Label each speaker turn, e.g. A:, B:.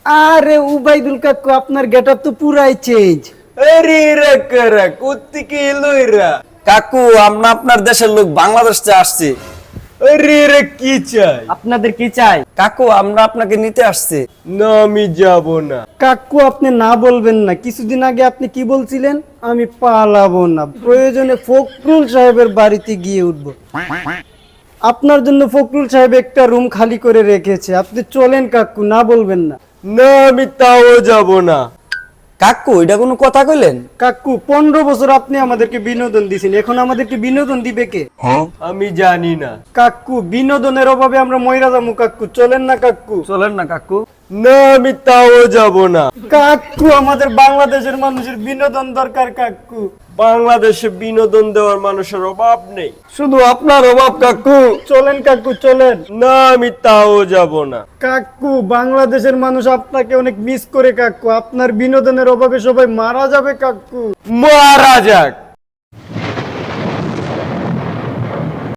A: আরে উবাইদুল কাকু, আপনার গেটআপ তো পুরাই চেঞ্জ।
B: আরে রে কুত্তি লইরা
C: কাকু আমরা আপনার দেশের লোক, বাংলাদেশ থেকে আসছি।
B: আরে রে কি চাই?
A: আপনাদের কি চাই?
C: কাকু আমরা আপনাকে নিতে আসছি।
B: না আমি যাব না।
A: কাকু আপনি না বলবেন না, কিছুদিন আগে আপনি কি বলছিলেন? আমি পালাবো না, প্রয়োজনে ফখরুল সাহেবের বাড়িতে গিয়ে উঠবো। আপনার জন্য ফখরুল সাহেব একটা রুম খালি করে রেখেছে, আপনি চলেন কাকু, না বলবেন না।
B: না আমি তাও যাব না।
C: কাকু এটা কোনো কথা কইলেন?
A: কাকু 15 বছর আপনি আমাদেরকে বিনোদন দিয়েছেন, এখন আমাদেরকে বিনোদন দিবে কে?
B: আমি জানি না।
A: কাকু বিনোদনের অভাবে আমরা মইরা যাবো কাকু, চলেন না কাকু।
C: চলেন না কাকু।
B: না আমি তাও যাব না।
A: কাকু আমাদের বাংলাদেশের মানুষের বিনোদন দরকার কাকু।
B: বাংলাদেশে বিনোদন দেওয়ার মানুষের অভাব নেই,
C: শুধু আপনার অভাব কাকু।
A: চলেন কাকু চলেন।
B: না আমি তাও যাব না।
A: কাকু বাংলাদেশের মানুষ আপনাকে অনেক মিস করে কাকু, আপনার বিনোদনের অভাবে সবাই মারা যাবে কাকু।
B: মারা যাক।